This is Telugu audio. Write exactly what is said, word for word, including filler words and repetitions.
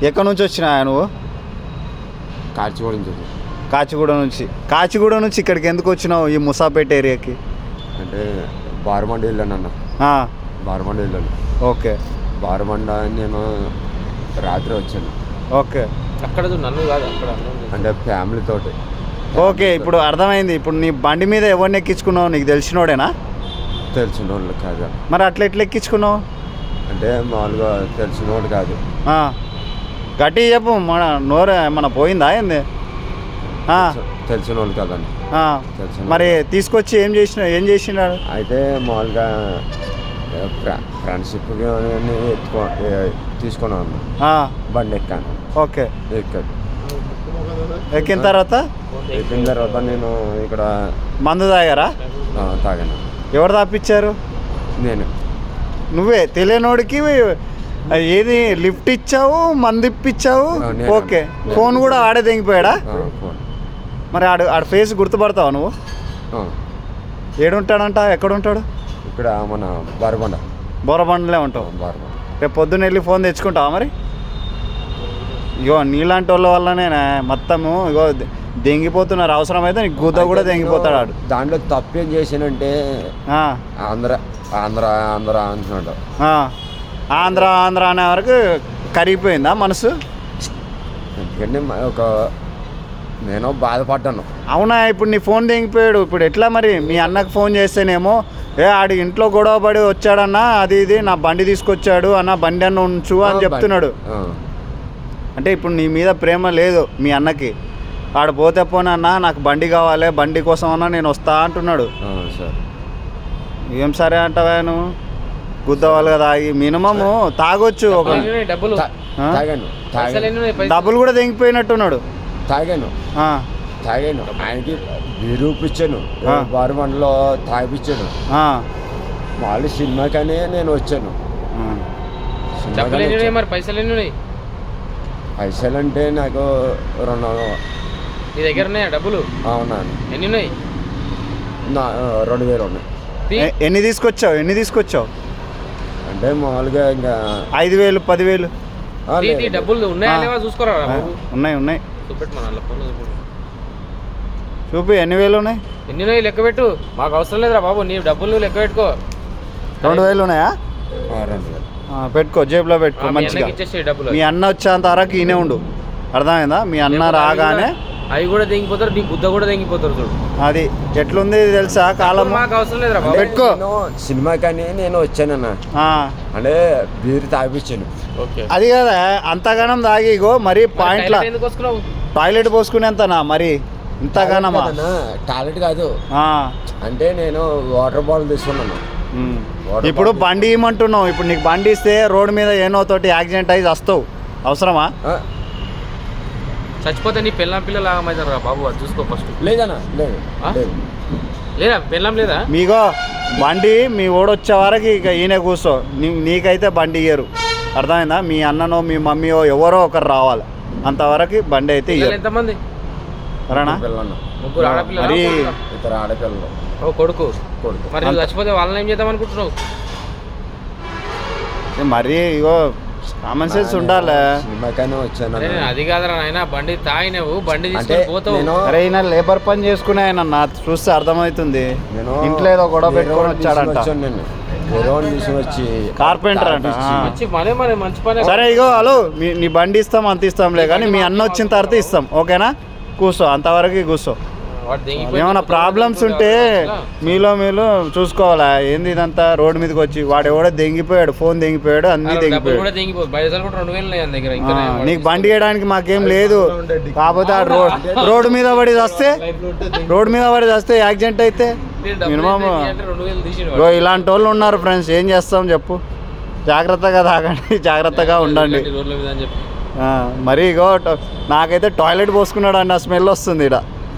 ఎక్కడి నుంచి వచ్చినా నువ్వు? కాచిగూడ నుంచి. కాచిగూడ నుంచి. కాచిగూడ నుంచి ఇక్కడికి ఎందుకు వచ్చినావు ఈ ముసాపేట ఏరియాకి? అంటే బారమండ వెళ్ళాను అన్న. బారమండ వెళ్ళాను. ఓకే. బారమండ నేను రాత్రి వచ్చాను. ఓకే. అక్కడ నన్ను కాదు అక్కడ అంటే ఫ్యామిలీ తోటి. ఓకే, ఇప్పుడు అర్థమైంది. ఇప్పుడు నీ బండి మీద ఎవరిని ఎక్కించుకున్నావు? నీకు తెలిసినోడేనా? తెలిసిన వాళ్ళు కాదు. మరి అట్లా ఎట్లా ఎక్కించుకున్నావు? అంటే మామూలుగా తెలిసినోడు కాదు. గట్టి చెప్పు, మన నోరు మన పోయిందా ఏంది? తెలిసిన వాళ్ళు కాదండి. మరి తీసుకొచ్చి ఏం చేసిన ఏం చేసినాడు? అయితే మామూలుగా ఫ్రెండ్షిప్ ఎత్తుకో తీసుకున్నాను, బండి ఎక్కాను. ఓకే. ఎక్కాను. ఎక్కిన తర్వాత ఎక్కిన తర్వాత నేను ఇక్కడ మందు తాగారా? తాగాను. ఎవరు తాపించారు? నేను. నువ్వే తెలియనోడికి ఏది లిఫ్ట్ ఇచ్చావు, మంది ఇప్పించావు. ఓకే. ఫోన్ కూడా ఆడే తెగిపోయాడా? మరి ఆడు ఆడ ఫేస్ గుర్తుపడతావా నువ్వు? ఏడుంటాడంట? ఎక్కడుంటాడు? ఇక్కడ మన బారబండ. బోరబండలే ఉంటావు. బారబండ. రేపు పొద్దున్న వెళ్ళి ఫోన్ తెచ్చుకుంటావా మరి? ఇగో నీలాంటి వాళ్ళ వల్లనే మొత్తము ఇగో దెంగిపోతున్నారు. అవసరమైతే నీకు గుద్ద కూడా దెంగిపోతాడు ఆడు. దాంట్లో తప్పేం చేసానంటే ఆంధ్ర ఆంధ్ర ఆంధ్ర అంటున్నాడు. ఆంధ్ర ఆంధ్ర అనే వరకు కరిగిపోయిందా మనసు? ఎందుకంటే ఒక నేను బాధపడ్డాను. అవునా? ఇప్పుడు నీ ఫోన్ తెగిపోయాడు. ఇప్పుడు ఎట్లా మరి? మీ అన్నకు ఫోన్ చేస్తేనేమో ఏ ఆడి ఇంట్లో గొడవ పడి వచ్చాడన్నా, అది ఇది నా బండి తీసుకొచ్చాడు అన్న, బండి అన్న ఉంచు అని చెప్తున్నాడు. అంటే ఇప్పుడు నీ మీద ప్రేమ లేదు మీ అన్నకి. ఆడు పోతే పోనన్నా నాకు బండి కావాలి, బండి కోసం అన్నా నేను వస్తా అంటున్నాడు. ఏం సరే అంటావా నువ్వు? గుద్దవాలి కదా. మినిమము తాగొచ్చు. ఒక డబ్బులు కూడా తెగిపోయినట్టున్నాడు. తాగాను తాగాను ఆయనకి బీరూపిచ్చాను, బారమండలో తాగిపించాను. వాళ్ళు సినిమాకనే నేను వచ్చాను. పైసలు అంటే నాకు రెండు నీ దగ్గర ఉన్నాయా డబ్బులు? అవునా? ఎన్ని ఉన్నాయి? రెండు వేలు ఉన్నాయి. ఎన్ని తీసుకొచ్చావు? ఎన్ని తీసుకొచ్చావు అంటే మామూలుగా ఇంకా ఐదు వేలు పదివేలు డబ్బులు ఉన్నాయా లేవా చూసుకోరా? ఉన్నాయి ఉన్నాయి. చూపి ఎన్ని వేలు ఉన్నాయి? ఎన్ని ఉన్నాయి లెక్క పెట్టు. మాకు అవసరం లేదురా బాబు, నీ డబ్బులు నువ్వు లెక్క పెట్టుకో. రెండు వేలు ఉన్నాయా? రెండు వేలు పెట్టుకో, జేబులో పెట్టుకో మంచిగా. మీ అన్న వచ్చేంత వరకు ఈయనే ఉండు. అర్థమైందా? మీ అన్న రాగానే అవి కూడా తెగిపోతారు, నీ బుద్ధ కూడా తెగిపోతారు. చూడు అది ఎట్లుంది తెలుసా కాలం. మాకు అవసరం లేదురా బాబు, పెట్టుకో. సినిమా కానీ నేను వచ్చానన్న, అంటే బీరు తాగిపించాను. అది కదా అంతగానం తాగిగో మరి పాయింట్ టాయిలెట్ పోసుకునేంతనా మరి ఇంతగానమా? టాయిలెట్ కాదు, అంటే నేను వాటర్ బాటిల్ తీసుకున్నాను. ఇప్పుడు బండి ఇవ్వమంటున్నావు. ఇప్పుడు నీకు బండి ఇస్తే రోడ్డు మీద ఏనో తోటి యాక్సిడెంట్ అయ్యి వస్తావు. అవసరమా? చచ్చిపోతే నీ పెళ్ళం పిల్లలు ఆగమవుతారు బాబు, అది చూసుకో ఫస్ట్. లేదన్నా లేదు లేదా పెళ్ళం లేదా? మీగో బండి మీ ఓడు వచ్చే వరకు ఇక ఈయన కూర్చో. నీకైతే బండి ఇయ్యరు. అర్థమైందా? మీ అన్ననో మీ మమ్మీయో ఎవరో ఒకరు రావాలి, అంతవరకు బండి అయితే ఇయ్యరు. ఎంతమంది? ముగ్గురు ఆడపిల్లలు, మరి ఇద్దరు ఆడపిల్లలు, ఓ కొడుకు. కొడుకు మరి నువ్వు చచ్చిపోతే వాళ్ళని ఏం చేద్దాం అనుకుంటున్నావు? మరి ఇగో కామన్ సెన్స్ ఉండాలి. వచ్చాను. అది కాదురా నాయన, బండి తాగినవు, బండి తీసుకొని పోతావు. అరే ఈయన లేబర్ పని చేసుకునే ఆయన నా చూస్తే అర్థమవుతుంది. ఇంట్లో ఏదో గొడవ పెట్టుకొని వచ్చాడంట. కార్పెంటర్ అంట. సరే ఇగో హలో, నీ బండి ఇస్తాం అంత ఇస్తాంలే, కానీ మీ అన్న వచ్చిన తర్వాత ఇస్తాం. ఓకేనా? కూర్చో, అంతవరకు కూర్చో. ఏమైనా ప్రాబ్లమ్స్ ఉంటే మీలో మీరు చూసుకోవాలా. ఏంది ఇదంతా రోడ్డు మీదకి వచ్చి వాడు ఎవడో దెంగిపోయాడు, ఫోన్ దెంగిపోయాడు, అన్ని దెంగిపోయాడు. నీకు బండి వేయడానికి మాకేం లేదు. కాకపోతే ఆ రోడ్ రోడ్డు మీద పడి వస్తే రోడ్డు మీద పడి వస్తే యాక్సిడెంట్ అయితే మినిమం ఇలాంటి వాళ్ళు ఉన్నారు ఫ్రెండ్స్. ఏం చేస్తాం చెప్పు? జాగ్రత్తగా తాగండి, జాగ్రత్తగా ఉండండి. మరి ఇగో నాకైతే టాయిలెట్ పోసుకున్నాడు అన్న స్మెల్ వస్తుంది ఇక్కడ.